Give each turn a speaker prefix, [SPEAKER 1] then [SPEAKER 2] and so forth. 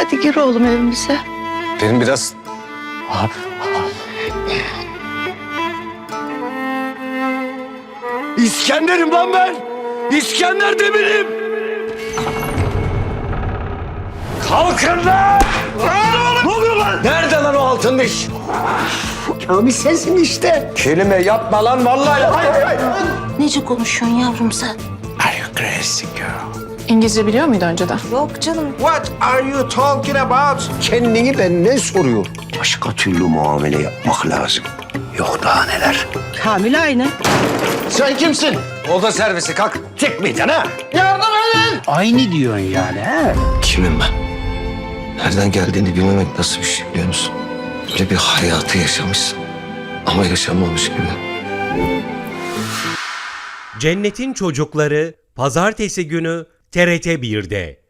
[SPEAKER 1] Hadi gir oğlum evimize.
[SPEAKER 2] Benim biraz... İskender'im lan ben! İskender Demir'im! Kalkın lan! Ne oluyor lan? Nerede lan o altın diş?
[SPEAKER 3] Kamil sensin işte.
[SPEAKER 2] Kelime yapma lan vallahi. Hayır.
[SPEAKER 4] Nece konuşuyorsun yavrum sen?
[SPEAKER 2] Are you crazy girl?
[SPEAKER 5] İngilizce biliyor muydu önceden?
[SPEAKER 4] Yok canım.
[SPEAKER 3] What are you talking about?
[SPEAKER 2] Kendini benden soruyor.
[SPEAKER 3] Başka türlü muamele yapmak lazım. Yok daha neler.
[SPEAKER 1] Kamil aynı.
[SPEAKER 2] Sen kimsin? Oda servisi kalk. Çıkmayacaksın ha?
[SPEAKER 3] Aynı diyorsun yani ha?
[SPEAKER 2] Kimim ben? Nereden geldiğini bilmemek nasıl bir şey biliyor musun? Böyle bir hayatı yaşamışsın ama yaşamamış gibi.
[SPEAKER 6] Cennetin Çocukları Pazartesi günü TRT 1'de.